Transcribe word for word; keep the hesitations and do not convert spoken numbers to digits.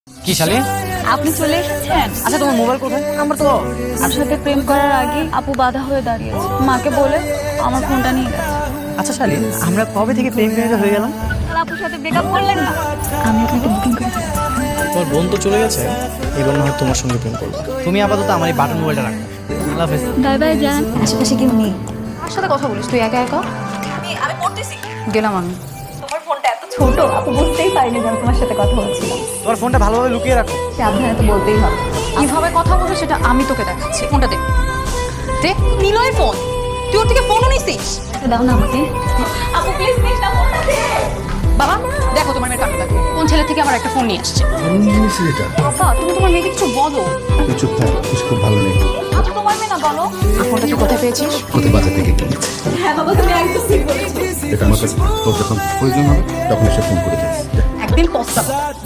কি শালি? আপনি চলে এসেছেন? আচ্ছা তোমার মোবাইল কোথায়? আমার তো আপনার সাথে প্রেম করার আগে আপু বাধা হয়ে দাঁড়িয়েছে, মাকে বলে আমার ফোনটা নিয়ে গেছে। আচ্ছা শালি, আমরা কবে থেকে প্রেম প্রেমিকা হয়ে গেলাম? আর আপুর সাথে ব্রেকআপ করলেন না? আমি আপনাকে বুকিং করে দিচ্ছি। তোমার বোন তো চলে গেছে, এবার না হয় তোমার সঙ্গে প্রেম করবো। তুমি আপাতত আমার এই বাটন মোবাইলটা রাখো। আল্লাহ হাফেজ। বাই বাই যান। আশেপাশে কেউ নেই। কার সাথে কথা বলিস তুই একা একা? আমি পড়তেছি। গেলাম আমি। তোমার ফোনটা এত ছোট, আপু বুঝতেই পারিনি যে আমি তোমার সাথে কথা বলছিলাম। তোমার ফোনটা ভালোভাবে লুকিয়ে রাখো। সাবধানে তো বলতেই হবে। কিভাবে কথা বলবো সেটা আমি তোকে দেখাচ্ছি। ফোনটা দে দে। নিলয় ফোন, তুই ওর থেকে ফোনও নিছিস? দাও না আমাকে। আপু প্লিজ প্লিজ না ফোনটা দে। বাবা দেখো তোমার মেয়ের কান্না, কোন ছেলে থেকে আমার একটা ফোন নিয়ে আসছে। আমি নিয়েছি এটা। বাবা তুমি তোমার মেয়েকে কিছু বলো। তুই চুপ থাক, কিছু খুব ভালো নেই। আপু তোমার মেয়ে না, বলো। ফোনটা তুই কোথায় পেয়েছিস? কোথায় বাজার থেকে কিনেছি। হ্যাঁ বাবা, তুমি একদম ঠিক বলেছো। এটা আমার কাছে তোর যখন প্রয়োজন হবে তখন এসে ফোন করে দিস। একদিন পস্তাবো।